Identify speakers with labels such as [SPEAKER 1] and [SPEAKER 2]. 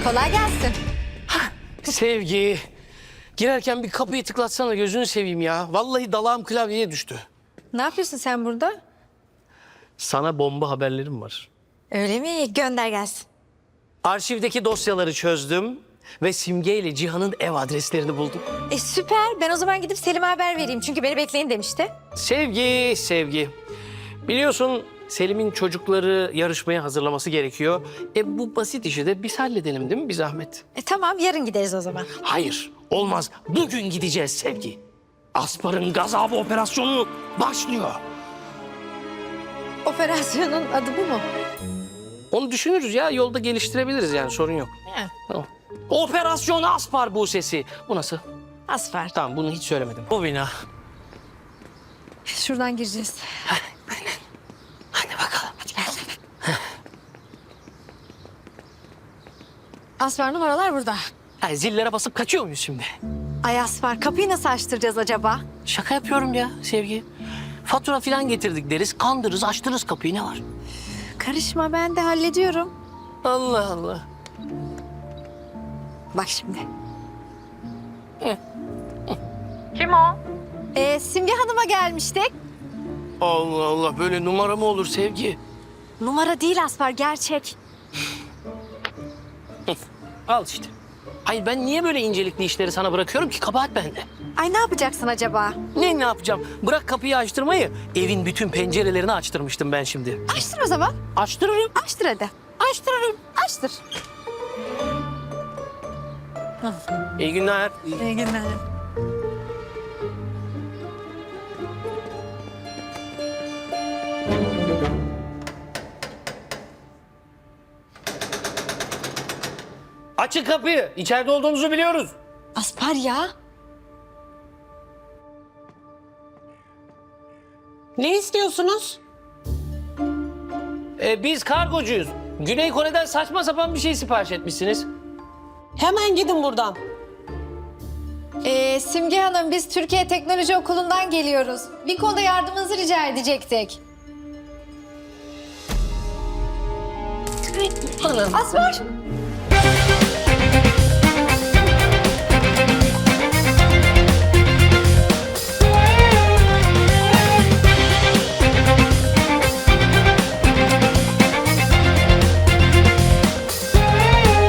[SPEAKER 1] Kolay gelsin.
[SPEAKER 2] Sevgi. Girerken bir kapıyı tıklatsana, gözünü seveyim ya. Vallahi dalağım klavyeye düştü.
[SPEAKER 1] Ne yapıyorsun sen burada?
[SPEAKER 2] Sana bomba haberlerim var.
[SPEAKER 1] Öyle mi? Gönder gelsin.
[SPEAKER 2] Arşivdeki dosyaları çözdüm ve Simge ile Cihan'ın ev adreslerini buldum.
[SPEAKER 1] Süper. Ben o zaman gidip Selim'e haber vereyim. Çünkü beni bekleyin demişti.
[SPEAKER 2] Sevgi. Biliyorsun Selim'in çocukları yarışmaya hazırlaması gerekiyor. Bu basit işi de biz halledelim değil mi, bir zahmet?
[SPEAKER 1] Tamam, yarın gideriz o zaman.
[SPEAKER 2] Hayır, olmaz. Bugün gideceğiz Sevgi. Aspar'ın gazabı operasyonu başlıyor.
[SPEAKER 1] Operasyonun adı bu mu?
[SPEAKER 2] Onu düşünürüz ya, yolda geliştirebiliriz yani, sorun yok.
[SPEAKER 1] He.
[SPEAKER 2] Tamam. Operasyon Aspar Buse'si. Bu nasıl?
[SPEAKER 1] Asfar.
[SPEAKER 2] Tamam, bunu hiç söylemedim. Bu bina.
[SPEAKER 1] Şuradan gireceğiz.
[SPEAKER 2] Hadi bakalım. Hadi gel.
[SPEAKER 1] Asfar, numaralar burada.
[SPEAKER 2] Yani zillere basıp kaçıyor muyuz şimdi?
[SPEAKER 1] Ay Asfar, kapıyı nasıl açtıracağız acaba?
[SPEAKER 2] Şaka yapıyorum ya Sevgi. Fatura falan getirdik deriz, kandırırız, açtırırız kapıyı, ne var?
[SPEAKER 1] Karışma, ben de hallediyorum.
[SPEAKER 2] Allah Allah.
[SPEAKER 1] Bak şimdi.
[SPEAKER 3] Kim o?
[SPEAKER 1] Simge Hanım'a gelmiştik.
[SPEAKER 2] Allah Allah, böyle numara mı olur Sevgi?
[SPEAKER 1] Numara değil Asfar, gerçek.
[SPEAKER 2] Al işte. Hayır, ben niye böyle incelikli işleri sana bırakıyorum ki? Kabahat bende.
[SPEAKER 1] Ay, ne yapacaksın acaba?
[SPEAKER 2] Ne yapacağım? Bırak kapıyı açtırmayı. Evin bütün pencerelerini açtırmıştım ben şimdi.
[SPEAKER 1] Açtır o zaman.
[SPEAKER 2] Açtırırım.
[SPEAKER 1] Açtır hadi.
[SPEAKER 2] Açtırırım.
[SPEAKER 1] Açtır.
[SPEAKER 2] İyi günler.
[SPEAKER 1] İyi günler.
[SPEAKER 2] Açın kapıyı. İçeride olduğunuzu biliyoruz.
[SPEAKER 1] Aspar ya.
[SPEAKER 3] Ne istiyorsunuz?
[SPEAKER 2] Biz kargocuyuz. Güney Kore'den saçma sapan bir şey sipariş etmişsiniz.
[SPEAKER 3] Hemen gidin buradan.
[SPEAKER 1] Simge Hanım, biz Türkiye Teknoloji Okulu'ndan geliyoruz. Bir konuda yardımınızı rica edecektik.
[SPEAKER 2] Anam.
[SPEAKER 1] Aspar.